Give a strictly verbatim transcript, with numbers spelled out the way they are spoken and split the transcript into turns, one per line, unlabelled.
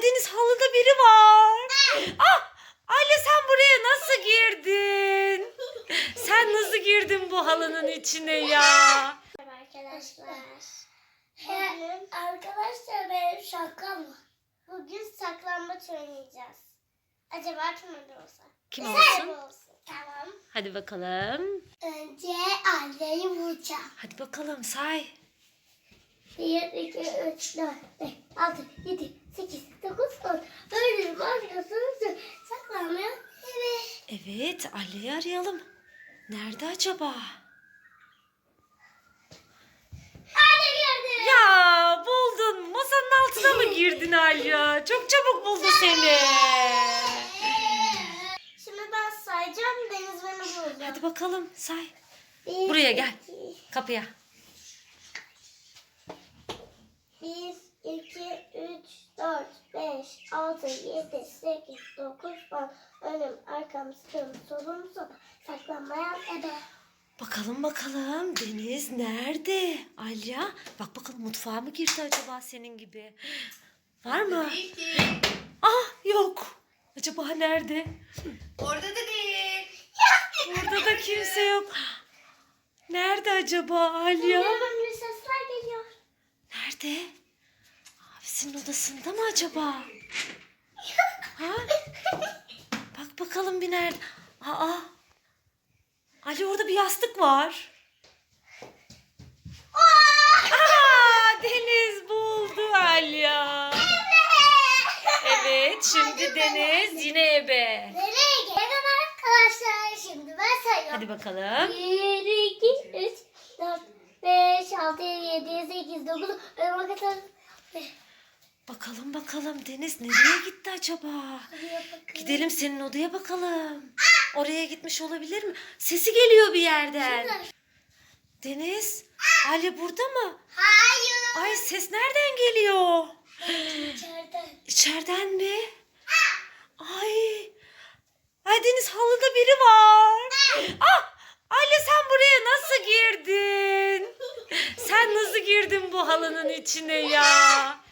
Ay Deniz, halıda biri var. Ah! Ayla, sen buraya nasıl girdin? Sen nasıl girdin bu halının içine ya?
Arkadaşlar. He, arkadaşlar benim şakam var. Bugün saklambaç oynayacağız. Acaba kim öyle olsa?
Kim
Sen
olsun?
olsun. Tamam.
Hadi bakalım.
Önce Alya'yı vuracağım.
Hadi bakalım, say.
Bir, iki, üç, dört, beş, altı, yedi, sekiz, dokuz, on. Öldürüm arkasını saklanmaya. Evet.
Evet, Alya'yı arayalım. Nerede acaba?
Anne gördüm.
Ya, buldun. Masanın altına mı girdin Alya? Çok çabuk buldu seni.
Şimdi ben sayacağım. Deniz beni bulacak.
Hadi bakalım, say.
Bir,
Buraya gel.
iki,
Kapıya.
Bir, iki, üç, dört, beş, altı, yedi, sekiz, dokuz, on. Önüm, arkam, sağım, solum, sol. Saklanmayan ebe.
Bakalım bakalım, Deniz nerede? Alya, bak bakalım, mutfağa mı girdi acaba senin gibi? Var mı? Ah, yok. Acaba nerede?
Orada da değil.
Burada da kimse yok. Nerede acaba Alya?
Hemen bir sesler geliyor.
Nerede? Abisinin odasında mı acaba? Ha? Bak bakalım bir nerede? Aa. Ali, orada bir yastık var. Aa, Deniz buldu Alya. Evet, şimdi Deniz yine ebe.
Nereye gelin arkadaşlar? Şimdi ben sayıyorum.
Hadi bakalım.
Bir, iki, üç, dört, beş, altı, yedi, sekiz, dokuz, on kadar.
Bakalım bakalım, Deniz nereye gitti acaba? Gidelim senin odaya bakalım. Oraya gitmiş olabilir mi? Sesi geliyor bir yerden. Deniz, Ali burada mı?
Hayır.
Ay, ses nereden geliyor?
İçeriden.
İçeriden mi? Ay. Ay Deniz, halıda biri var. Ah! Ali, sen buraya nasıl girdin? Sen nasıl girdin bu halının içine ya?